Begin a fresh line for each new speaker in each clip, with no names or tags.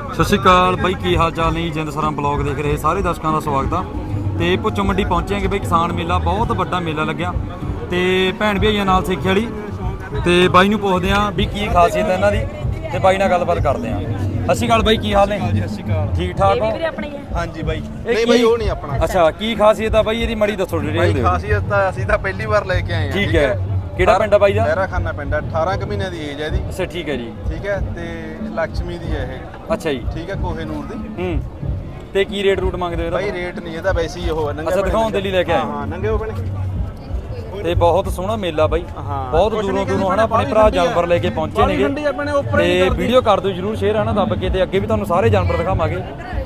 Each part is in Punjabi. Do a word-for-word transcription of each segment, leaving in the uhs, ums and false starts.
ਸਤਿ ਸ਼੍ਰੀ ਅਕਾਲ ਬਾਈ, ਕੀ ਹਾਲ ਚਾਲ ਨੇ? ਜਿੰਦ ਸਰਾਂ ਬਲੌਗ ਦੇਖ ਰਹੇ ਸਾਰੇ ਦਰਸ਼ਕਾਂ ਦਾ ਸਵਾਗਤ ਆ। ਤੇ ਭੁੱਚੋ ਮੰਡੀ ਪਹੁੰਚੇ ਬਈ, ਕਿਸਾਨ ਮੇਲਾ ਬਹੁਤ ਵੱਡਾ ਮੇਲਾ ਲੱਗਿਆ ਤੇ ਭੈਣ ਭਾਈਆਂ ਨਾਲ ਸਿੱਖੀ ਵਾਲੀ ਤੇ ਬਾਈ ਨੂੰ ਪੁੱਛਦੇ ਆ ਵੀ ਕੀ ਖਾਸੀਅਤ ਹੈ ਇਹਨਾਂ ਦੀ ਤੇ ਬਾਈ ਨਾਲ ਗੱਲਬਾਤ ਕਰਦੇ ਆ। ਸਤਿ ਸ਼੍ਰੀ ਅਕਾਲ ਬਾਈ, ਕੀ ਹਾਲ ਨੇ?
ਸਤਿ ਸ਼੍ਰੀ ਅਕਾਲ,
ਠੀਕ ਠਾਕ ਹੋ?
ਹਾਂਜੀ ਬਾਈ। ਨਹੀਂ ਬਾਈ ਉਹ ਨਹੀਂ ਆਪਣਾ।
ਅੱਛਾ, ਕੀ ਖਾਸੀਅਤ ਆ ਬਾਈ ਇਹਦੀ? ਮੜੀ ਦੱਸੋ ਡਿਟੇਲ
ਬਾਈ।
ਦਿਓ।
ਖਾਸੀਅਤ ਤਾਂ ਅਸੀਂ ਤਾਂ ਪਹਿਲੀ ਵਾਰ ਲੈ ਕੇ ਆਏ ਆ।
ਠੀਕ ਹੈ, ਕਿਹੜਾ ਪਿੰਡ ਆ ਬਾਈ ਦਾ?
ਲਹਿਰਾ ਖਾਨਾ ਪਿੰਡ ਆ। ਅਠਾਰਾਂ ਕੁ ਮਹੀਨਿਆਂ ਦੀ ਏਜ ਹੈ ਇਹਦੀ।
ਅੱਛਾ ਠੀਕ ਹੈ ਜੀ।
ਠੀਕ ਹੈ, ਤੇ ਲక్ష్ਮੀ ਦੀ ਹੈ ਇਹ।
ਅੱਛਾ ਜੀ।
ਠੀਕ ਹੈ, ਕੋਹੇ ਨੂਰ ਦੀ।
ਹੂੰ, ਤੇ ਕੀ ਰੇਟ ਰੂਟ ਮੰਗਦੇ ਹੋ ਇਹਦਾ?
ਬਾਈ ਰੇਟ ਨਹੀਂ ਇਹਦਾ, ਵੈਸੇ ਹੀ ਉਹ ਨੰਗੇ।
ਅੱਛਾ, ਦਿਖਾਉਣ ਦੇ ਲਈ ਲੈ ਕੇ ਆਏ?
ਹਾਂ, ਨੰਗੇ ਹੋ ਬਣੇ।
ਤੇ ਬਹੁਤ ਸੋਹਣਾ ਮੇਲਾ ਬਾਈ, ਬਹੁਤ ਦੂਰੋਂ ਦੂਰੋਂ ਹਨਾ ਆਪਣੇ ਭਰਾ ਜਾਨਵਰ ਲੈ ਕੇ ਪਹੁੰਚੇ ਨੇਗੇ ਤੇ ਵੀਡੀਓ ਕਰ ਦਿਓ ਜਰੂਰ ਸ਼ੇਅਰ ਹਨਾ ਦੱਬ ਕੇ, ਤੇ ਅੱਗੇ ਵੀ ਤੁਹਾਨੂੰ ਸਾਰੇ ਜਾਨਵਰ ਦਿਖਾਵਾਂਗੇ।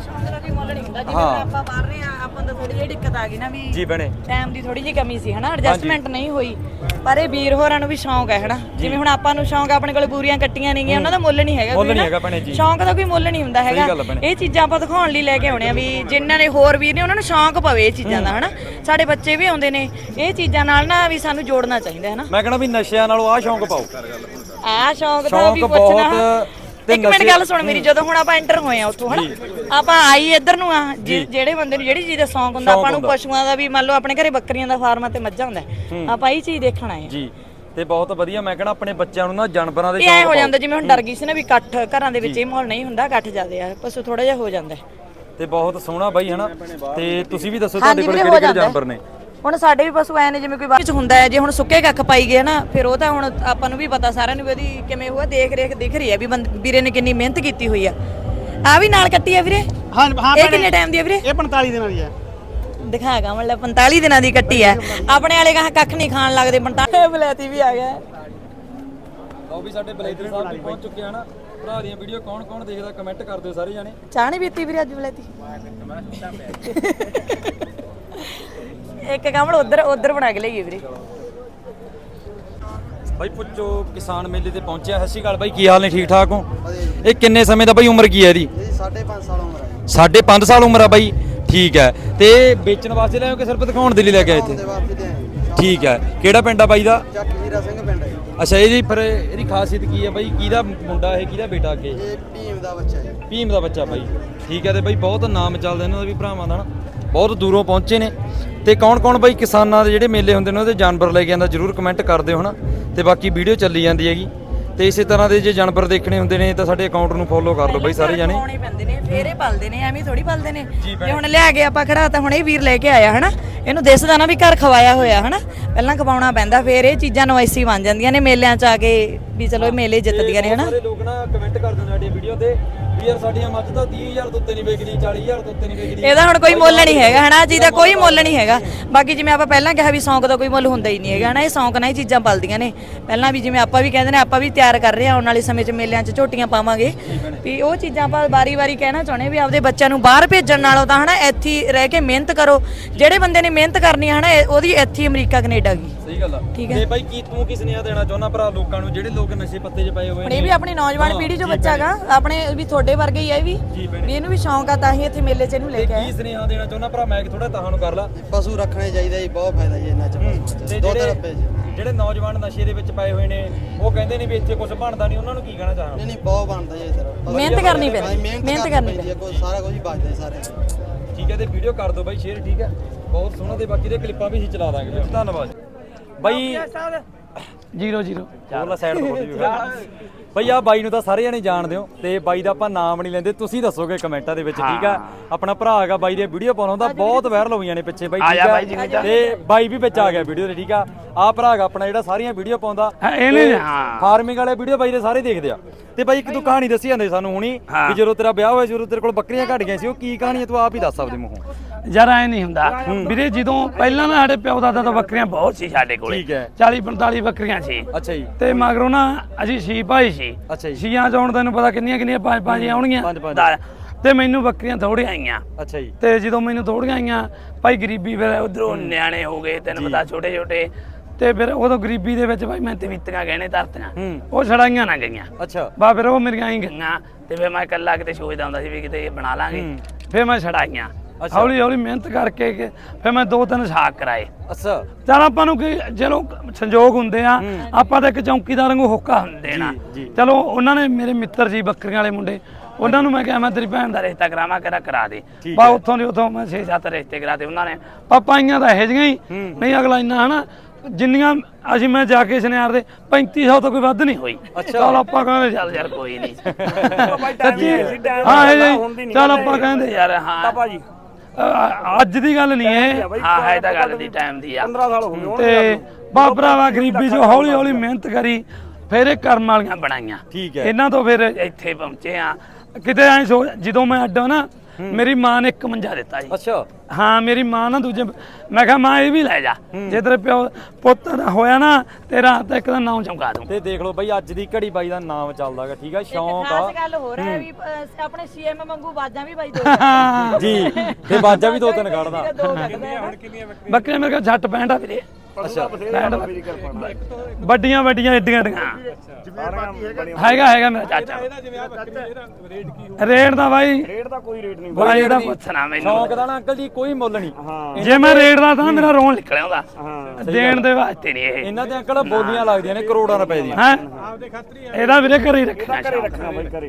ਹਾਂ, ਆਪਾਂ ਬਾਹਰ ਰਹੇ ਆ, ਆਪਾਂ ਨੂੰ ਥੋੜੀ ਜਿਹੀ ਦਿੱਕਤ ਆ ਗਈ ਨਾ ਵੀ
ਜੀ ਬਣੇ
ਟਾਈਮ ਦੀ ਥੋੜੀ ਜਿਹੀ ਕਮੀ ਸੀ ਹਨਾ, ਐਡਜਸਟਮੈਂਟ ਨਹੀਂ ਹੋਈ। ਪਰ ਇਹ ਵੀਰ ਹੋਰਾਂ ਨੂੰ ਵੀ ਸ਼ੌਂਕ ਹੈ ਹਨਾ, ਜਿਵੇਂ ਹੁਣ ਆਪਾਂ ਨੂੰ ਸ਼ੌਂਕ, ਆਪਣੇ ਕੋਲ ਬੂਰੀਆਂ ਕੱਟੀਆਂ ਨੇਗੀਆਂ, ਉਹਨਾਂ ਦਾ ਮੁੱਲ ਨਹੀਂ ਹੈਗਾ,
ਮੁੱਲ ਨਹੀਂ ਹੈਗਾ ਭੈਣੇ ਜੀ।
ਸ਼ੌਂਕ ਦਾ ਕੋਈ ਮੁੱਲ ਨਹੀਂ ਹੁੰਦਾ ਹੈਗਾ। ਇਹ ਚੀਜ਼ਾਂ ਆਪਾਂ ਦਿਖਾਉਣ ਲਈ ਲੈ ਕੇ ਆਉਣੇ ਆ ਵੀ ਜਿਨ੍ਹਾਂ ਨੇ ਹੋਰ ਵੀਰ ਨੇ ਉਹਨਾਂ ਨੂੰ ਸ਼ੌਂਕ ਪਵੇ ਇਹ ਚੀਜ਼ਾਂ ਦਾ ਹਨਾ। ਸਾਡੇ ਬੱਚੇ ਵੀ ਆਉਂਦੇ ਨੇ ਇਹ ਚੀਜ਼ਾਂ ਨਾਲ ਨਾ, ਵੀ ਸਾਨੂੰ ਜੋੜਨਾ ਚਾਹੀਦਾ ਹੈ ਨਾ।
ਮੈਂ ਕਹਿੰਦਾ ਵੀ ਨਸ਼ਿਆਂ ਨਾਲੋਂ ਆਹ ਸ਼ੌਂਕ ਪਾਓ।
ਆਹ ਸ਼ੌਂਕ ਦਾ ਵੀ ਪੁੱਛਣਾ। ਇੱਕ ਮਿੰਟ ਗੱਲ ਸੁਣ ਮੇਰੀ, ਜਦੋਂ ਹੁਣ ਆਪਾਂ ਐਂਟਰ ਹੋਏ ਆ ਉੱਥੋਂ ਹਨਾ, ਆਪਾਂ ਆਈ ਇੱਧਰ ਨੂੰ ਆ, ਜਿਹੜੇ ਬੰਦੇ ਨੂੰ ਜਿਹੜੀ ਚੀਜ਼ ਦਾ ਸ਼ੌਂਕ ਹੁੰਦਾ, ਆਪਾਂ ਨੂੰ ਪਸ਼ੂਆਂ ਦਾ ਵੀ, ਮੰਨ ਲਓ ਆਪਣੇ ਘਰੇ ਬੱਕਰੀਆਂ ਦਾ ਫਾਰਮ ਤੇ ਮੱਝਾਂ ਹੁੰਦਾ, ਆਪਾਂ ਇਹ ਚੀਜ਼ ਦੇਖਣ ਆਏ
ਜੀ। ਤੇ ਬਹੁਤ ਵਧੀਆ, ਮੈਂ ਕਹਿੰਦਾ ਆਪਣੇ ਬੱਚਿਆਂ ਨੂੰ ਨਾ ਜਾਨਵਰਾਂ ਦੇ
ਸ਼ੌਂਕ ਹੋ ਜਾਂਦਾ। ਜਿਵੇਂ ਹੁਣ ਡਰ ਗਈ ਸੀ ਨਾ ਵੀ ਇਕੱਠ ਘਰਾਂ ਦੇ ਵਿੱਚ ਇਹ ਮਾਹੌਲ ਨਹੀਂ ਹੁੰਦਾ, ਇਕੱਠ ਜ਼ਿਆਦੇ ਆ, ਪਸ਼ੂ ਥੋੜਾ ਜਿਹਾ ਹੋ ਜਾਂਦਾ।
ਤੇ ਬਹੁਤ ਸੋਹਣਾ ਬਾਈ ਹਨਾ। ਤੇ ਤੁਸੀਂ ਵੀ ਦੱਸੋ ਤੁਹਾਡੇ ਕੋਲ ਕਿਹੜੇ ਕਿਹੜੇ ਜਾਨਵਰ ਨੇ?
ਹੁਣ ਸਾਡੇ ਵੀ ਪਸ਼ੂ ਐ ਨੇ ਜਿਵੇਂ ਕੋਈ ਵਿੱਚ ਹੁੰਦਾ ਹੈ, ਜੇ ਹੁਣ ਸੁੱਕੇ ਕੱਖ ਪਾਈ ਗਏ ਨਾ, ਫਿਰ ਉਹ ਤਾਂ ਹੁਣ ਆਪਾਂ ਨੂੰ ਵੀ ਪਤਾ, ਸਾਰਿਆਂ ਨੂੰ ਵੀ ਉਹਦੀ ਕਿਵੇਂ ਹੋਇਆ ਦੇਖ ਰੇਖ ਦਿਖ ਰਹੀ ਹੈ ਵੀ ਵੀਰੇ ਨੇ ਕਿੰਨੀ ਮਿਹਨਤ ਕੀਤੀ ਹੋਈ ਆ। ਆ ਵੀ ਨਾਲ ਕੱਟੀ ਆ ਵੀਰੇ? ਹਾਂ ਹਾਂ। ਇਹ ਕਿੰਨੇ ਟਾਈਮ ਦੀ ਆ ਵੀਰੇ? ਇਹ ਪੰਤਾਲੀ ਦਿਨਾਂ ਦੀ ਆ। ਦਿਖਾਗਾ ਮਤਲਬ ਪੰਤਾਲੀ ਦਿਨਾਂ ਦੀ ਕੱਟੀ ਆ। ਆਪਣੇ ਵਾਲੇ ਕਹਾ ਕੱਖ ਨਹੀਂ ਖਾਣ ਲੱਗਦੇ। ਪੰਤਾਲੀ ਬਲੈਤੀ ਵੀ ਆ ਗਿਆ।
ਲਓ ਵੀ ਸਾਡੇ ਬਲੇਦਰ ਸਾਹਿਬ ਵੀ ਪਹੁੰਚ ਚੁੱਕੇ ਹਨ। ਭਰਾ ਦੀਆਂ ਵੀਡੀਓ ਕੌਣ ਕੌਣ ਦੇਖਦਾ ਕਮੈਂਟ ਕਰ ਦਿਓ ਸਾਰੇ ਜਾਣੇ।
ਚਾਹ ਨਹੀਂ ਪੀਤੀ ਵੀਰੇ ਅੱਜ ਬਲੈਤੀ? ਇੱਕ ਕਮਲ ਉਧਰ ਉਧਰ ਬਣਾ ਕੇ ਲਈਏ ਵੀਰੇ।
ਬਾਈ ਪੁੱਛੋ ਕਿਸਾਨ ਮੇਲੇ ਤੇ ਪਹੁੰਚਿਆ। ਸਤਿ ਸ਼੍ਰੀ ਅਕਾਲ ਬਾਈ, ਕੀ ਹਾਲ ਨੇ? ਠੀਕ ਠਾਕ ਹੋ? ਇਹ ਕਿੰਨੇ ਸਮੇਂ ਦਾ ਬਾਈ ਉਮਰ ਕੀ ਹੈ ਇਹਦੀ?
ਸਾਢੇ ਪੰਜ ਸਾਲ ਉਮਰ ਹੈ।
ਸਾਢੇ ਪੰਜ ਸਾਲ ਉਮਰ ਆ ਬਾਈ। ਠੀਕ ਹੈ, ਤੇ ਵੇਚਣ ਵਾਸਤੇ ਲਿਆਓ ਕਿ ਸਿਰਫ ਦਿਖਾਉਣ ਦੇ ਲਈ ਲੈ ਕੇ ਆਏ ਇੱਥੇ? ਠੀਕ ਹੈ, ਕਿਹੜਾ ਪਿੰਡ ਆ ਬਾਈ ਦਾ?
ਚੱਕ ਹੀਰਾ ਸਿੰਘ ਪਿੰਡ ਹੈ।
ਅੱਛਾ, ਇਹਦੀ ਫਿਰ ਇਹਦੀ ਖਾਸੀਅਤ ਕੀ ਹੈ ਬਾਈ? ਕਿਹਦਾ ਮੁੰਡਾ ਇਹ, ਕਿਹਦਾ ਬੇਟਾ ਅੱਗੇ?
ਇਹ ਭੀਮ ਦਾ ਬੱਚਾ ਹੈ।
ਭੀਮ ਦਾ ਬੱਚਾ ਬਾਈ। ਠੀਕ ਹੈ, ਤੇ ਬਾਈ ਬਹੁਤ ਨਾਮ ਚੱਲਦਾ ਇਹਨਾਂ ਦਾ ਵੀ ਭਰਾਵਾਂ ਦਾ ਨਾ, ਬਹੁਤ ਦੂਰੋਂ ਪਹੁੰਚੇ ਨੇ। ਤੇ ਕੌਣ ਕੌਣ ਬਾਈ ਕਿਸਾਨਾਂ ਦੇ ਜਿਹੜੇ ਮੇਲੇ ਹੁੰਦੇ ਨੇ ਉਹਦੇ ਜਾਨਵਰ ਲੈ ਕੇ ਆਉਂਦਾ ਜਰੂਰ ਕਮੈਂਟ ਕਰ ਦਿਓ ਹਨਾ। ਤੇ ਬਾਕੀ ਵੀਡੀਓ ਚੱਲੀ ਜਾਂਦੀ ਹੈਗੀ, ਤੇ ਇਸੇ ਤਰ੍ਹਾਂ ਦੇ ਜੇ ਜਾਨਵਰ ਦੇਖਣੇ ਹੁੰਦੇ ਨੇ ਤਾਂ ਸਾਡੇ ਅਕਾਊਂਟ ਨੂੰ ਫੋਲੋ ਕਰ ਲਓ ਬਾਈ ਸਾਰੇ ਜਾਣੇ।
ਪਾਉਣੇ ਪੈਂਦੇ ਨੇ, ਫੇਰੇ ਪਲਦੇ ਨੇ, ਐਵੇਂ ਥੋੜੀ ਪਲਦੇ ਨੇ। ਜੇ ਹੁਣ ਲਿਆ ਕੇ ਆਪਾਂ ਖੜਾ ਤਾਂ ਹੁਣ ਇਹ ਵੀਰ ਲੈ ਕੇ ਆਇਆ ਹਨਾ, ਇਹਨੂੰ ਦਿਸਦਾ ਨਾ ਵੀ ਘਰ ਖਵਾਇਆ ਹੋਇਆ ਹਨਾ, ਪਹਿਲਾਂ ਖਵਾਉਣਾ ਪੈਂਦਾ, ਫੇਰ ਇਹ ਚੀਜ਼ਾਂ ਨਵਾਈਸੀ ਬਣ ਜਾਂਦੀਆਂ ਨੇ ਮੇਲਿਆਂ 'ਚ ਆ ਕੇ ਵੀ ਚਲੋ ਇਹ ਮੇਲੇ ਜਿੱਤਦੀਆਂ ਨੇ ਹਨਾ।
ਸਾਰੇ ਲੋਕ ਨਾ ਕਮੈਂਟ ਕਰਦੇ ਨੇ ਸਾਡੀਆਂ ਵੀਡੀਓ ਤੇ ਵੀ ਯਾਰ ਸਾਡੀਆਂ ਮੱਝ ਤਾਂ ਤੀਹ ਹਜ਼ਾਰ ਤੋਂ ਉੱਤੇ ਨਹੀਂ ਵਿਕਦੀ, ਚਾਲੀ ਹਜ਼ਾਰ ਤੋਂ ਉੱਤੇ ਨਹੀਂ ਵਿਕਦੀ।
ਇਹਦਾ ਹੁਣ ਕੋਈ ਮੁੱਲ ਨਹੀਂ ਹੈਗਾ ਹਨਾ, ਜਿਹਦਾ ਕੋਈ ਮੁੱਲ ਨਹੀਂ ਹੈਗਾ। ਬਾਕੀ ਜਿਵੇਂ ਆਪਾਂ ਪਹਿਲਾਂ ਕਿਹਾ ਵੀ ਸ਼ੌਂਕ ਦਾ ਕੋਈ ਮੁੱਲ ਹੁੰਦਾ ਹੀ ਨਹੀਂ ਹੈਗਾ ਹਨਾ, ਇਹ ਸ਼ੌਂਕ ਨਾਲ ਹੀ ਚੀਜ਼ਾਂ ਪਲਦੀਆਂ ਨੇ। ਪਹਿਲਾਂ ਵੀ ਜਿਵੇਂ ਆਪਾਂ ਵੀ ਕਹਿੰਦੇ ਨੇ, ਆਪਾਂ ਵੀ ਤਿਆਰ ਕਰ ਰਹੇ ਹਾਂ ਆਉਣ ਵਾਲੇ ਸਮੇਂ 'ਚ ਮੇਲਿਆਂ 'ਚ ਝੋਟੀਆਂ ਪਾਵਾਂਗੇ ਵੀ ਉਹ ਚੀਜ਼ਾਂ ਆਪਾਂ ਵਾਰੀ-ਵਾਰੀ ਕਹਿਣਾ ਚਾਹੁੰਦੇ ਵੀ ਆਪਦੇ ਬੱਚਿਆਂ ਨੂੰ ਬਾਹਰ ਭੇਜਣ ਨਾਲੋਂ ਤਾਂ ਹਨਾ ਇੱਥੇ ਰਹਿ ਕੇ ਮਿਹਨਤ ਕਰੋ। ਜਿਹੜੇ ਬੰਦੇ ਨੇ ਮਿਹਨਤ ਕਰਨੀ ਹੈ ਹਨਾ, ਉਹਦੀ ਇੱਥੇ ਅਮਰੀਕਾ ਕੈਨੇਡਾ ਗਈ।
ਸਹੀ ਗੱਲ ਆ। ਤੇ ਬਾਈ ਕੀ ਤੂੰ ਕੀ ਸੁਨੇਹਾ ਦੇਣਾ ਚਾਹੁੰਦਾ ਭਰਾ ਲੋਕਾਂ ਨੂੰ ਜਿਹੜੇ ਲੋਕ ਨਸ਼ੇ ਪੱਤੇ 'ਚ ਪਏ ਹੋਏ ਨੇ?
ਇਹ ਵੀ ਆਪਣੀ ਨੌਜਵਾਨ ਪੀੜ੍ਹੀ 'ਚੋਂ ਬੱਚਾ ਗਾ, ਆਪਣੇ ਵੀ ਤੁਹਾਡੇ ਵਰਗੇ ਹੀ ਆ ਇਹ ਵੀ, ਵੀ ਇਹਨੂੰ ਵੀ ਸ਼ੌਂਕ ਆ ਤਾਂ ਹੀ ਇੱਥੇ ਮੇਲੇ 'ਚ ਇਹਨੂੰ ਲੈ ਕੇ ਆਏ।
ਕੀ ਸੁਨੇਹਾ ਦੇਣਾ ਚਾਹੁੰਦਾ ਭਰਾ? ਮੈਂ ਥੋੜਾ ਤਾਹਾਂ ਨੂੰ ਕਰ ਲਾ।
ਪਸ਼ੂ ਰੱਖਣੇ ਚਾਹੀਦਾ ਜੀ, ਬਹੁਤ ਫਾਇਦਾ ਜੀ ਇਹਨਾਂ 'ਚ। ਦੋ ਤਿੰਨ ਰੁਪਏ ਜੀ।
ਜਿਹੜੇ ਨੌਜਵਾਨ ਨਸ਼ੇ ਦੇ ਵਿੱਚ ਪਏ ਹੋਏ ਨੇ ਉਹ ਕਹਿੰਦੇ ਨੇ ਵੀ ਇੱਥੇ ਕੁਝ ਬਣਦਾ ਨਹੀਂ, ਉਹਨਾਂ ਨੂੰ ਕੀ ਕਹਿਣਾ ਚਾਹਾਂ?
ਨਹੀਂ ਨਹੀਂ, ਬਹੁਤ ਬਣਦਾ ਜੀ ਸਰ।
ਮਿਹਨਤ ਕਰਨੀ ਪੈਂਦੀ, ਮਿਹਨਤ ਕਰਨੀ ਪੈਂਦੀ
ਹੈ, ਕੋਈ ਸਾਰਾ ਕੁਝ ਹੀ ਬਚਦਾ ਸਾਰੇ।
ਠੀਕ ਹੈ, ਤੇ ਵੀਡੀਓ ਕਰ ਦਿਓ ਬਾਈ ਸ਼ੇਅਰ। ਠੀਕ ਹੈ, ਬਹੁਤ ਸੋਹਣਾ, ਤੇ ਬਾਕੀ ਦੇ ਕਲਿੱਪਾਂ ਵੀ ਅਸੀਂ ਚਲਾ ਦਾਂਗੇ। ਧੰਨਵਾਦ ਬਾਈ।
ਜ਼ੀਰੋ ਜ਼ੀਰੋ
ਬੋਲਾ ਸਾਈਡ ਤੋਂ ਵੀ ਬਈ। ਆ ਬਾਈ ਨੂੰ ਤਾਂ ਸਾਰੇ ਜਣੇ ਜਾਣਦੇ ਹੋ, ਤੇ ਬਾਈ ਦਾ ਆਪਾਂ ਨਾਮ ਨਹੀਂ ਲੈਂਦੇ, ਤੁਸੀਂ ਦੱਸੋਗੇ ਕਮੈਂਟਾਂ ਦੇ ਵਿੱਚ। ਠੀਕ ਆ, ਆਪਣਾ ਭਰਾ ਹੈਗਾ ਬਾਈ ਦੇ ਵੀਡੀਓ ਪਾਉਣਾ ਹੁੰਦਾ, ਬਹੁਤ ਵਾਇਰਲ ਹੋਈਆਂ ਨੇ ਪਿੱਛੇ ਬਾਈ। ਠੀਕ ਆ, ਤੇ ਬਾਈ ਵੀ ਵਿੱਚ ਆ ਗਿਆ ਵੀਡੀਓ ਦੇ। ਠੀਕ ਆ, ਆ ਭਰਾ ਹੈਗਾ ਆਪਣਾ ਜਿਹੜਾ ਸਾਰੀਆਂ ਵੀਡੀਓ ਪਾਉਂਦਾ, ਫਾਰਮਿੰਗ ਵਾਲੇ ਵੀਡੀਓ ਬਾਈ ਦੇ ਸਾਰੇ ਦੇਖਦੇ ਆ। ਤੇ ਬਾਈ ਇੱਕ ਤੂੰ ਕਹਾਣੀ ਦੱਸੀ ਜਾਂਦੇ ਸਾਨੂੰ ਹੁਣੀ ਵੀ ਜਦੋਂ ਤੇਰਾ ਵਿਆਹ ਹੋਇਆ, ਜਦੋਂ ਤੇਰੇ ਕੋਲ ਬੱਕਰੀਆਂ ਘਟ ਗਈਆਂ ਸੀ, ਉਹ ਕੀ ਕਹਾਣੀ ਹੈ? ਤੂੰ ਆਪ ਹੀ ਦੱਸ ਆਪਦੇ ਮੂੰਹੋਂ।
ਯਾਰ ਐ ਨਹੀਂ ਹੁੰਦਾ ਵੀਰੇ, ਜਦੋਂ ਪਹਿਲਾਂ ਨਾ ਸਾਡੇ ਪਿਓ ਦਾਦਾ ਤੋਂ ਬੱਕਰੀਆਂ ਬਹੁਤ ਸੀ ਸਾਡੇ ਕੋਲ।
ਠੀਕ ਹੈ,
ਚਾਲੀ ਪੰਤਾਲੀ ਬੱਕਰੀਆਂ ਸੀ।
ਅੱਛਾ ਜੀ।
ਤੇ ਮਗਰੋਂ ਨਾ ਅਸੀਂ ਛੇ ਭਾਈ ਸੀ।
ਅੱਛਾ ਜੀ।
ਛੀਆਂ ਚੋਂ ਤੈਨੂੰ ਪਤਾ ਕਿੰਨੀਆਂ ਕਿੰਨੀਆਂ ਪੰਜ ਪੰਜ ਆਉਣਗੀਆਂ, ਤੇ ਮੈਨੂੰ ਬੱਕਰੀਆਂ ਥੋੜੀਆਂ ਆਈਆਂ।
ਅੱਛਾ ਜੀ।
ਤੇ ਜਦੋਂ ਮੈਨੂੰ ਥੋੜੀਆਂ ਆਈਆਂ, ਭਾਈ ਗਰੀਬੀ ਫਿਰ ਉਧਰੋਂ ਨਿਆਣੇ ਹੋ ਗਏ, ਤੈਨੂੰ ਪਤਾ ਛੋਟੇ ਛੋਟੇ, ਤੇ ਫਿਰ ਉਦੋਂ ਗਰੀਬੀ ਦੇ ਵਿੱਚ ਭਾਈ ਮੈਂ ਤਵੀਤੀਆਂ ਗਹਿਣੇ ਧਰਤੀਆਂ, ਉਹ ਛੜਾਈਆਂ ਨਾ ਗਈਆਂ।
ਅੱਛਾ।
ਬਾ ਫਿਰ ਉਹ ਮੇਰੀਆਂ ਹੀ ਗਈਆਂ, ਤੇ ਫਿਰ ਮੈਂ ਇਕੱਲਾ ਕਿਤੇ ਸੋਚਦਾ ਹੁੰਦਾ ਸੀ ਵੀ ਕਿਤੇ ਬਣਾ ਲਾਂਗੇ, ਫਿਰ ਮੈਂ ਛੜਾਈਆਂ। ਹੌਲੀ ਹੌਲੀ ਮਿਹਨਤ ਕਰਕੇ ਫਿਰ ਮੈਂ ਦੋ ਤਿੰਨ ਸਾਕ ਕਰਾਏ।
ਅੱਛਾ।
ਚਲ ਆਪਾਂ ਨੂੰ ਕੀ ਚਲੋ ਸੰਜੋਗ ਹੁੰਦੇ ਆ, ਆਪਾਂ ਤਾਂ ਇੱਕ ਚੌਂਕੀਦਾਰ ਨੂੰ ਹੋਕਾ ਹੁੰਦੇ ਨਾ। ਚਲੋ ਉਹਨਾਂ ਨੇ ਮੇਰੇ ਮਿੱਤਰ ਸੀ ਬੱਕਰੀਆਂ ਵਾਲੇ ਮੁੰਡੇ, ਉਹਨਾਂ ਨੂੰ ਮੈਂ ਕਿਹਾ ਮੈਂ ਤੇਰੀ ਭੈਣ ਦਾ ਰਿਸ਼ਤਾ ਕਰਾਵਾਂ ਕਿਹੜਾ ਕਰਾ ਦੇ ਬਾ ਉੱਥੋਂ ਦੀ ਉੱਥੋਂ ਮੈਂ ਛੇ ਸੱਤ ਰਿਸ਼ਤੇ ਕਰਾਤੇ ਉਹਨਾਂ ਨੇ ਪਾਪਾਈਆਂ ਤਾਂ ਇਹੋ ਜਿਹੀਆਂ ਹੀ ਨਹੀਂ ਅਗਲਾ ਇੰਨਾ ਹਨਾ ਜਿੰਨੀਆਂ ਅਸੀਂ ਮੈਂ ਜਾ ਕੇ ਸੁਨਿਆਰ ਦੇ ਪੈਂਤੀ ਸੌ ਤੋਂ ਕੋਈ ਵੱਧ ਨਹੀਂ ਹੋਈ ਚੱਲ ਆਪਾਂ ਕਹਿੰਦੇ ਚੱਲ ਯਾਰ ਕੋਈ ਨਹੀਂ ਹਾਂ ਇਹ ਚੱਲ ਆਪਾਂ ਕਹਿੰਦੇ ਯਾਰ ਹਾਂ ਭਾਜੀ ਅੱਜ ਦੀ ਗੱਲ ਨਹੀਂ ਇਹ ਹਾਂ ਹੈ ਤਾਂ ਗੱਲ ਦੀ ਟਾਈਮ ਦੀ ਆ ਪੰਦਰਾਂ ਸਾਲ ਹੋ ਗਏ ਤੇ ਬਾ ਭਰਾਵਾ ਗਰੀਬੀ ਚੋਂ ਹੌਲੀ ਹੌਲੀ ਮਿਹਨਤ ਕਰੀ ਫਿਰ ਇਹ ਕਰਮ ਵਾਲੀਆਂ ਬਣਾਈਆਂ
ਠੀਕ ਹੈ
ਇਹਨਾਂ ਤੋਂ ਫਿਰ ਇੱਥੇ ਪਹੁੰਚੇ ਆ ਕਿਤੇ ਐ ਸੋ ਜਦੋਂ ਮੈਂ ਅੱਡਾ ਨਾ ਮੇਰੀ ਮਾਂ ਨੇ ਇੱਕ ਮੰਜਾ ਦਿੱਤਾ ਜੀ
ਅੱਛਾ
ਹਾਂ ਮੇਰੀ ਮਾਂ ਨਾ ਦੂਜੇ ਮੈਂ ਕਿਹਾ ਮਾਂ ਇਹ ਵੀ ਲੈ ਜਾ ਜੇ ਤੇਰੇ ਪਿਓ ਪੁੱਤ ਹੋਇਆ ਨਾ ਤੇਰਾ ਤਾਂ ਇੱਕ ਦਾ ਨਾਮ ਚਮਕਾ ਦੂੰ
ਤੇ ਦੇਖ ਲਓ ਬਾਈ ਅੱਜ ਦੀ ਘੜੀ ਬਾਈ ਦਾ ਨਾਮ ਚੱਲਦਾਗਾ ਠੀਕ ਆ ਸ਼ੌਂਕ ਆ
ਖਾਸ ਗੱਲ ਹੋ ਰਿਹਾ ਵੀ ਅਹ, ਆਪਣੇ ਸੀਐਮ ਵਾਂਗੂ ਬਾਜਾਂ ਵੀ ਬਾਈ ਦੋ
ਜੀ ਤੇ ਬਾਜਾ ਵੀ ਦੋ ਤਿੰਨ ਕੱਢਦਾ
ਬੱਕਰੀਆਂ ਮੇਰੇ ਕੋਲ ਜੱਟ ਪੈਂਟ ਆ ਵੀਰੇ
ਅੱਛਾ
ਵੱਡੀਆਂ ਵੱਡੀਆਂ ਏਡੀਆਂ ਏਡੀਆਂ ਹੈਗਾ ਹੈਗਾ ਮੇਰਾ ਚਾਚਾ ਰੇਟ ਦਾ ਬਾਈ
ਰੇਟ ਦਾ ਕੋਈ ਰੇਟ ਨਹੀਂ
ਬਾਈ ਇਹਦਾ ਪੁੱਛਣਾ ਮੈਨੂੰ
ਸ਼ੌਂਕ ਦਾ ਨਾ ਅੰਕਲ ਜੀ ਕੋਈ ਮੁੱਲ ਨਹੀਂ
ਜੇ ਮੈਂ ਰੇਟ ਦਾ ਤਾਂ ਮੇਰਾ ਰੋਣ ਨਿਕਲ ਆਉਂਦਾ ਦੇਣ ਦੇ ਵਾਸਤੇ ਨਹੀਂ ਇਹ
ਇਹਨਾਂ ਦੇ ਅੰਕਲ ਬੋਲੀਆਂ ਲੱਗਦੀਆਂ ਨੇ ਕਰੋੜਾਂ ਰੁਪਏ ਦੀਆਂ
ਹੈ ਇਹਦਾ ਵੀਰੇ ਘਰੇ ਹੀ ਰੱਖਣਾ
ਰੱਖਣਾ ਬਾਈ ਕਰੇ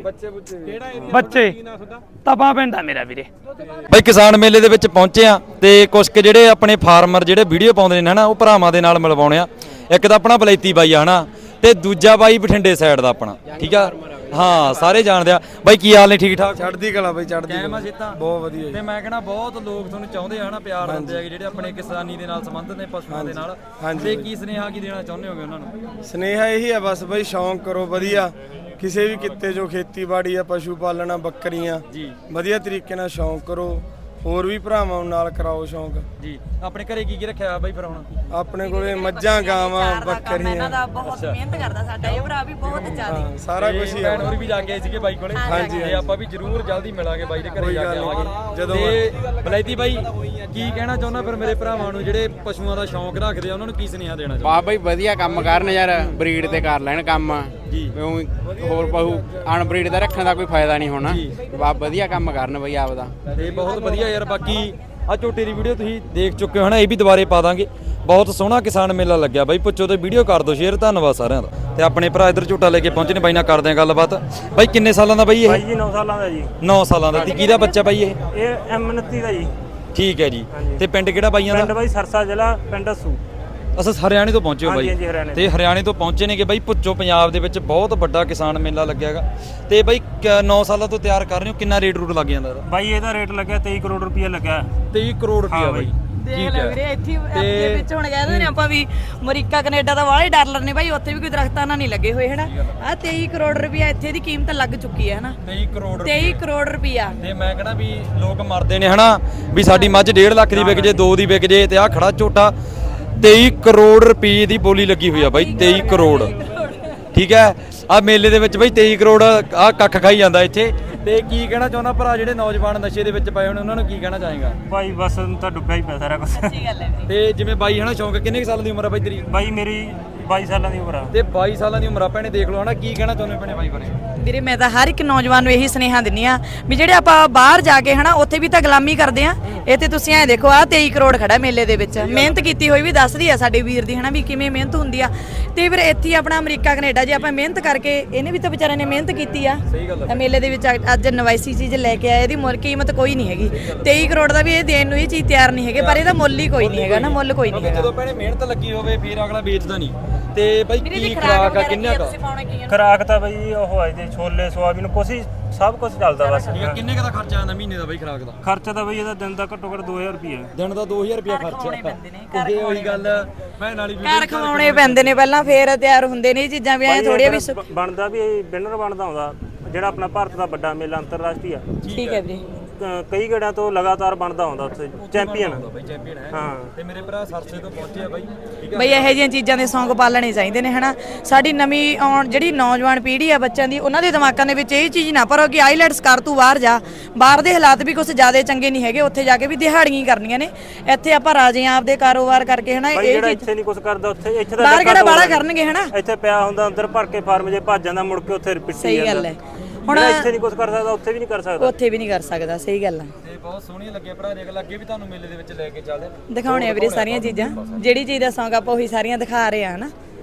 ਬੱਚੇ ਤਪਾ ਪਿੰਡ ਆ ਮੇਰਾ ਵੀਰੇ
ਬਾਈ ਕਿਸਾਨ ਮੇਲੇ ਦੇ ਵਿੱਚ ਪਹੁੰਚੇ ਆ ਤੇ ਕੁਝ ਕੁ ਜਿਹੜੇ ਆਪਣੇ ਫਾਰਮਰ ਜਿਹੜੇ ਵੀਡੀਓ ਪਾਉਂਦੇ ਨੇ ਹਨਾ ਉਹ ਭਰਾਵਾਂ ਦੇ ਨਾਲ ਮਿਲਵਾਉਣੇ ਆ ਇੱਕ ਤਾਂ ਆਪਣਾ ਬਲੈਤੀ ਬਾਈ ਆ ਹਨਾ ਤੇ ਦੂਜਾ ਬਾਈ ਬਠਿੰਡੇ ਸਾਈਡ ਦਾ ਆਪਣਾ ਠੀਕ ਆ ਹਾਂ ਸਾਰੇ ਜਾਣਦੇ ਆ ਬਾਈ ਕੀ ਹਾਲ ਨੇ ਠੀਕ ਠਾਕ
ਚੜ੍ਹਦੀ ਕਲਾ ਬਈ ਚੜ੍ਹਦੀ
ਕੈਮ ਆ ਸਿੱਧਾ
ਬਹੁਤ ਵਧੀਆ
ਤੇ ਮੈਂ ਕਹਿੰਦਾ ਬਹੁਤ ਲੋਕ ਤੁਹਾਨੂੰ ਚਾਹੁੰਦੇ ਆ ਹਨਾ ਪਿਆਰ ਦਿੰਦੇ ਆ ਜਿਹੜੇ ਆਪਣੇ ਕਿਸਾਨੀ ਦੇ ਨਾਲ ਸੰਬੰਧਿਤ ਨੇ ਪਸ਼ੂਆਂ ਦੇ ਨਾਲ ਤੇ ਕੀ ਸੁਨੇਹਾ ਕੀ ਦੇਣਾ ਚਾਹੁੰਦੇ ਹੋਗੇ ਉਹਨਾਂ ਨੂੰ
ਸਨੇਹਾ ਇਹੀ ਆ ਬਸ ਬਈ ਸ਼ੌਂਕ ਕਰੋ ਵਧੀਆ ਕਿਸੇ ਵੀ ਕਿੱਤੇ ਜੋ ਖੇਤੀਬਾੜੀ ਆ ਪਸ਼ੂ ਪਾਲਣਾ ਬੱਕਰੀਆਂ
ਜੀ
ਵਧੀਆ ਤਰੀਕੇ ਨਾਲ ਸ਼ੌਂਕ ਕਰੋ ਹੋਰ ਵੀ ਭਰਾਵਾਂ ਨੂੰ ਨਾਲ ਕਰਾਓ ਸ਼ੌਂਕ
ਜੀ ਆਪਣੇ ਘਰੇ ਕੀ ਕੀ ਰੱਖਿਆ ਬਾਈ ਫਿਰ ਹੁਣ
ਆਪਣੇ ਕੋਲੇ ਮੱਝਾਂ ਗਾਵਾਂ
ਇਹਨਾਂ
ਬੱਕਰੀਆਂ
ਦਾ ਬਹੁਤ ਮਿਹਨਤ ਕਰਦਾ ਸਾਡਾ ਇਹ ਭਰਾ ਵੀ ਬਹੁਤ ਜ਼ਿਆਦਾ
ਸਾਰਾ ਕੁਝ ਹੀ ਆ
ਭੈਣ ਹੋਰ ਵੀ ਜਾ ਕੇ ਆਏ ਸੀਗੇ ਬਾਈ ਕੋਲੇ
ਹਾਂਜੀ,
ਤੇ ਆਪਾਂ ਵੀ ਜ਼ਰੂਰ ਜਲਦੀ ਮਿਲਾਂਗੇ ਬਾਈ ਦੇ ਘਰੇ
ਕੋਈ
ਜਾ ਕੇ
ਗੱਲ ਨਹੀਂ,
ਆਵਾਂਗੇ
ਜਦੋਂ
ਤੇ ਬਲੈਤੀ ਬਾਈ ਕੀ ਕਹਿਣਾ ਚਾਹੁੰਦਾ ਫਿਰ ਮੇਰੇ ਭਰਾਵਾਂ ਨੂੰ ਜਿਹੜੇ ਪਸ਼ੂਆਂ ਦਾ ਸ਼ੌਂਕ ਰੱਖਦੇ ਆ ਉਹਨਾਂ ਨੂੰ ਕੀ ਸੁਨੇਹਾ ਦੇਣਾ ਚਾਹੁੰਦਾ
ਵਾਹ ਬਈ ਵਧੀਆ ਕੰਮ ਕਰਨ ਯਾਰ ਬਰੀਡ ਤੇ ਕਰ ਲੈਣ ਕੰਮ
ਜੀ
ਹੋਰ ਪਹੂ ਅਨਬਰੀਡ ਦਾ ਰੱਖਣ ਦਾ ਕੋਈ ਫਾਇਦਾ ਨਹੀਂ ਹੋਣਾ ਵਾਹ ਵਧੀਆ ਕੰਮ ਕਰਨ ਬਈ ਆਪਦਾ
ਤੇ ਬਹੁਤ ਵਧੀਆ ਯਾਰ ਬਾਕੀ ਆ ਝੋਟੇ ਦੀ ਵੀਡੀਓ ਤੁਸੀਂ ਦੇਖ ਚੁੱਕੇ ਹੋ ਨਾ ਇਹ ਵੀ ਦੁਬਾਰੇ ਪਾ ਦਾਂਗੇ ਬਹੁਤ ਸੋਹਣਾ ਕਿਸਾਨ ਮੇਲਾ ਲੱਗਿਆ ਬਾਈ ਪੁੱਛੋ ਤੇ ਵੀਡੀਓ ਕਰ ਦਿਓ ਸ਼ੇਅਰ ਧੰਨਵਾਦ ਸਾਰਿਆਂ ਦਾ ਤੇ ਆਪਣੇ ਭਰਾ ਇੱਧਰ ਝੋਟਾ ਲੈ ਕੇ ਪਹੁੰਚੇ ਨੇ ਬਾਈ ਨਾਲ ਕਰਦੇ ਆ ਗੱਲਬਾਤ ਬਾਈ ਕਿੰਨੇ ਸਾਲਾਂ ਦਾ ਬਾਈ ਇਹ
ਬਾਈ ਜੀ ਨੌ ਸਾਲਾਂ ਦਾ ਜੀ
ਨੌ ਸਾਲਾਂ ਦਾ ਤੇ ਕਿਹਦਾ ਬੱਚਾ ਬਾਈ ਇਹ
ਇਹ ਐਮ ਉਨੱਤੀ ਦਾ ਜੀ
ਠੀਕ ਹੈ ਜੀ ਤੇ ਪਿੰਡ ਕਿਹੜਾ ਬਾਈਆਂ
ਪਿੰਡ
ਦਾ
ਬਾਈ ਸਰਸਾ ਜ਼ਿਲ੍ਹਾ ਪਿੰਡ ਅਸੂ
ਅਸਾਂ ਹਰਿਆਣੇ ਤੋਂ ਪਹੁੰਚੇ ਹੋ
ਹਾਂਜੀ, ਹਾਂਜੀ,
ਬਾਈ
ਹਰਿਆਣੇ
ਤੇ ਹਰਿਆਣੇ ਤੋਂ ਪਹੁੰਚੇ ਨੇ ਕਿ ਬਾਈ ਪੁੱਛੋ ਪੰਜਾਬ ਦੇ ਵਿੱਚ ਬਹੁਤ ਵੱਡਾ ਕਿਸਾਨ ਮੇਲਾ ਲੱਗਿਆਗਾ ਤੇ ਬਾਈ ਨੌ ਸਾਲਾਂ ਤੋਂ ਤਿਆਰ ਕਰ ਰਹੇ ਹੋ ਕਿੰਨਾ ਰੇਟ ਰੂਟ ਲੱਗ ਜਾਂਦਾ ਇਹਦਾ
ਬਾਈ ਇਹਦਾ ਰੇਟ ਲੱਗਿਆ ਤੇਈ ਕਰੋੜ ਰੁਪਏ ਲੱਗਿਆ
ਤੇਈ ਕਰੋੜ ਰੁਪਇਆ ਬਾਈ
ਦੇਖ ਲੈ ਵੀਰੇ ਇੱਥੇ ਅੱਗੇ ਵਿੱਚ ਹੁਣ ਕਹਿੰਦੇ ਨੇ ਆਪਾਂ ਵੀ ਅਮਰੀਕਾ ਕੈਨੇਡਾ ਦਾ ਵਾਲੇ ਡਾਲਰ ਨੇ ਬਾਈ ਉੱਥੇ ਵੀ ਕੋਈ ਦਰਖਤਾਂ ਨਾਲ ਨਹੀਂ ਲੱਗੇ ਹੋਏ ਹਨਾ ਆ ਤੇਈ ਕਰੋੜ ਰੁਪਇਆ ਇੱਥੇ ਦੀ ਕੀਮਤ ਲੱਗ ਚੁੱਕੀ ਹੈ ਹਨਾ
ਤੇਈ ਕਰੋੜ
ਤੇਈ ਕਰੋੜ ਰੁਪਇਆ
ਤੇ ਮੈਂ ਕਹਿੰਦਾ ਵੀ ਲੋਕ ਮਰਦੇ ਨੇ ਹਨਾ ਵੀ ਸਾਡੀ ਮੱਝ ਡੇਢ ਲੱਖ ਦੀ ਵਿਕ ਜੇ ਦੋ ਦੀ ਵਿਕ ਜੇ ਤੇ ਆ ਖੜਾ ਝੋਟਾ ਤੇਈ ਕਰੋੜ ਰੁਪਏ ਦੀ ਬੋਲੀ ਲੱਗੀ ਹੋਈ ਆ ਬਾਈ ਤੇਈ ਕਰੋੜ ਠੀਕ ਹੈ ਆ ਮੇਲੇ ਦੇ ਵਿੱਚ ਬਾਈ ਤੇਈ ਕਰੋੜ ਆ ਕੱਖ ਖਾਈ ਜਾਂਦਾ ਇੱਥੇ ਤੇ ਕੀ ਕਹਿਣਾ ਚਾਹੁੰਦਾ ਭਰਾ ਜਿਹੜੇ ਨੌਜਵਾਨ ਨਸ਼ੇ ਦੇ ਵਿੱਚ ਪਏ ਹੋਣ ਉਹਨਾਂ ਨੂੰ ਕੀ ਕਹਿਣਾ ਚਾਹੇਗਾ
ਬਾਈ ਬਸ ਤਾਂ ਡੁੱਬਿਆ ਹੀ ਪਿਆ ਸਾਰਾ ਕੁਝ
ਸੱਚੀ ਗੱਲ ਹੈ
ਤੇ ਜਿਵੇਂ ਬਾਈ ਹਨਾ ਸ਼ੌਂਕ ਕਿੰਨੇ ਕੁ ਸਾਲ ਦੀ ਉਮਰ ਆ ਬਾਈ ਤੇਰੀ
ਬਾਈ ਮੇਰੀ ਬਾਈ ਸਾਲਾਂ ਦੀ ਉਮਰ ਆ
ਤੇ ਬਾਈ ਸਾਲਾਂ ਦੀ ਉਮਰ ਆ ਭੈਣੇ ਦੇਖ ਲਓ ਹਨਾ ਕੀ ਕਹਿਣਾ ਚਾਹੁੰਦੇ ਭੈਣੇ ਬਾਈ ਬਾਰੇ
ਵੀਰੇ ਮੈਂ ਤਾਂ ਹਰ ਇੱਕ ਨੌਜਵਾਨ ਨੂੰ ਇਹੀ ਸੁਨੇਹਾ ਦਿੰਨੀ ਆ ਵੀ ਜਿਹੜੇ ਆਪਾਂ ਬਾਹਰ ਜਾ ਕੇ ਹਨਾ ਉੱਥੇ ਵੀ ਤਾਂ ਗੁਲਾਮੀ ਕਰਦੇ ਆ ਇੱਥੇ ਤੁਸੀਂ ਐ ਦੇਖੋ ਆ ਤੇਈ ਕਰੋੜ ਖੜਾ ਮੇਲੇ ਦੇ ਵਿੱਚ ਮਿਹਨਤ ਕੀਤੀ ਹੋਈ ਵੀ ਦੱਸਦੀ ਆ ਸਾਡੇ ਵੀਰ ਦੀ ਹਨਾ ਵੀ ਕਿਵੇਂ ਮਿਹਨਤ ਹੁੰਦੀ ਆ ਤੇ ਫਿਰ ਇੱਥੇ ਹੀ ਆਪਣਾ ਅਮਰੀਕਾ ਕੈਨੇਡਾ ਜੇ ਆਪਾਂ ਮਿਹਨਤ ਕਰਕੇ ਇਹਨੇ ਵੀ ਤਾਂ ਵਿਚਾਰੇ ਨੇ ਮਿਹਨਤ ਕੀਤੀ ਆ
ਸਹੀ ਗੱਲ
ਤਾਂ ਮੇਲੇ ਦੇ ਵਿੱਚ ਅੱਜ- ਅੱਜ ਨਵਾਈਸੀ ਚੀਜ਼ ਲੈ ਕੇ ਆਏ ਇਹਦੀ ਮੁੱਲ ਕੀਮਤ ਕੋਈ ਨਹੀਂ ਹੈਗੀ ਤੇਈ ਕਰੋੜ ਦਾ ਵੀ ਇਹ ਦੇਣ ਨੂੰ ਇਹ ਚੀਜ਼ ਤਿਆਰ ਨਹੀਂ ਹੈਗੇ ਪਰ ਇਹਦਾ ਮੁੱਲ ਹੀ ਕੋਈ ਨਹੀਂ ਹੈਗਾ ਨਾ ਮੁੱਲ ਕੋਈ ਨਹੀਂ ਹੈਗਾ
ਜਦੋਂ ਭੈਣੇ ਮਿਹਨਤ ਲੱਗੀ ਹੋਵੇ ਫਿਰ ਅਗਲਾ ਵੇਚਦਾ ਨਹੀਂ ਤੇ ਬਾਈ ਕੀ ਖਰਾਕ ਆ ਕਿੰਨਾ ਕਾ
ਖਰਾਕ ਤਾਂ ਬਾਈ ਉਹ ਆਏ ਦੇ ਛੋਲੇ ਸੋਆਬੀਨ ਕੁਛ ਹੀ ਸਭ ਕੁਝ ਚੱਲਦਾ ਬਸ
ਠੀਕ ਆ ਕਿੰਨੇ ਕਾ ਖਰਚਾ ਆਉਂਦਾ ਮਹੀਨੇ ਦਾ ਬਾਈ ਖਰਾਕ ਦਾ
ਖਰਚਾ ਤਾਂ ਬਾਈ ਇਹਦਾ ਦਿਨ ਦਾ ਘੱਟੋ ਘੱਟ ਦੋ ਹਜ਼ਾਰ ਰੁਪਏ
ਦਿਨ ਦਾ ਦੋ ਹਜ਼ਾਰ ਰੁਪਿਆ ਖਰਚਾ ਤੇ ਉਹੀ ਗੱਲ ਭੈਣ ਵਾਲੀ ਵੀ
ਘਰ ਖਵਾਉਣੇ ਪੈਂਦੇ ਨੇ ਪਹਿਲਾਂ ਫੇਰ ਤਿਆਰ ਹੁੰਦੇ ਨੇ ਇਹ ਚੀਜ਼ਾਂ ਵੀ ਐ ਥੋੜੀਆਂ ਵੀ ਸੁ-
ਬ- ਬਣਦਾ ਵੀ ਵਿਨਰ ਬਣਦਾ ਹੁੰਦਾ ਜਿਹੜਾ ਆਪਣਾ ਭਾਰਤ ਦਾ ਵੱਡਾ ਮੇਲਾ ਅੰਤਰਰਾਸ਼ਟਰੀ ਆ
ਠੀਕ ਹੈ ਵੀਰੇ
ਕ- ਕਈ ਗੇੜਾਂ ਤੋਂ ਲਗਾਤਾਰ ਬਣਦਾ ਹੁੰਦਾ ਉੱਥੇ ਚੈਂਪੀਅਨ
ਬਾਈ ਚੈਂਪੀਅਨ ਹੈ
ਹਾਂ
ਤੇ ਮੇਰੇ ਭਰਾ ਸਰਸੇ ਤੋਂ ਪਹੁੰਚੇ ਆ ਬਾਈ ਠੀਕ ਆ
ਬਈ ਇਹੋ ਜਿਹੀਆਂ ਚੀਜ਼ਾਂ ਦੇ ਸ਼ੌਂਕ ਪਾਲਣੇ ਚਾਹੀਦੇ ਨੇ ਹਨਾ ਸਾਡੀ ਨਵੀਂ ਆਉਣ ਜਿਹੜੀ ਨੌਜਵਾਨ ਪੀੜ੍ਹੀ ਆ ਬੱਚਿਆਂ ਦੀ ਉਹਨਾਂ ਦੇ ਦਿਮਾਗਾਂ ਦੇ ਵਿੱਚ ਇਹ ਚੀਜ਼ ਨਾ ਭਰੋ ਕਿ ਆਈਲੈਟਸ ਕਰ ਤੂੰ ਬਾਹਰ ਜਾ ਬਾਹਰ ਦੇ ਹਾਲਾਤ ਵੀ ਕੁਝ ਜ਼ਿਆਦਾ ਚੰਗੇ ਨਹੀਂ ਹੈਗੇ ਉੱਥੇ ਜਾ ਕੇ ਵੀ ਦਿਹਾੜੀਆਂ ਹੀ ਕਰਨੀਆਂ ਨੇ ਇੱਥੇ ਆਪਾਂ ਰਾਜੇ ਆਂ ਆਪਦੇ ਕਾਰੋਬਾਰ ਕਰਕੇ ਹਨਾ
ਬਾਈ
ਇਹ
ਜਿਹੜਾ
ਚੀਜ਼
ਇੱਥੇ ਨਹੀਂ ਕੁਝ ਕਰਦਾ ਉੱਥੇ ਇੱਥੇ ਤਾਂ
ਬਾਹਰ
ਡੱਕਾ
ਕਿਹੜਾ ਬਾਹਲਾ
ਤੋੜਦਾ।
ਕਰਨਗੇ ਹਨਾ
ਇੱਥੇ ਪਿਆ ਹੁੰਦਾ ਅੰਦਰ ਭਰ ਕੇ ਫਾਰਮ ਜੇ ਭੱਜ ਜਾਂਦਾ ਮੁੜ ਕੇ ਉੱਥੇ ਰਿਪੀਟ
ਸਹੀ ਗੱਲ ਹੈ
ਹੁਣ ਇੱਥੇ ਨਹੀਂ ਕੁਝ ਕਰ ਸਕਦਾ ਉੱਥੇ ਵੀ ਨਹੀਂ ਕਰ ਸਕਦਾ
ਉੱਥੇ ਵੀ ਨਹੀਂ ਕਰ ਸਕਦਾ ਸਹੀ ਗੱਲ ਆ
ਤੇ ਬਹੁਤ ਸੋਹਣੀਆਂ ਲੱਗੀਆਂ ਭਰਾ ਦੇਖ ਲੱਗੇ ਵੀ ਤੁਹਾਨੂੰ ਮੇਲੇ ਦੇ ਵਿੱਚ ਲੈ ਕੇ ਚੱਲਦੇ
ਦਿਖਾਉਣੇ ਆ ਵੀਰੇ ਸਾਰੀਆਂ ਚੀਜ਼ਾਂ ਜਿਹੜੀ ਚੀਜ਼ ਦਾ ਸ਼ੌਂਕ ਆਪਾਂ ਉਹੀ ਸਾਰੀਆਂ ਦਿਖਾ ਰਹੇ ਆ ਹਨਾ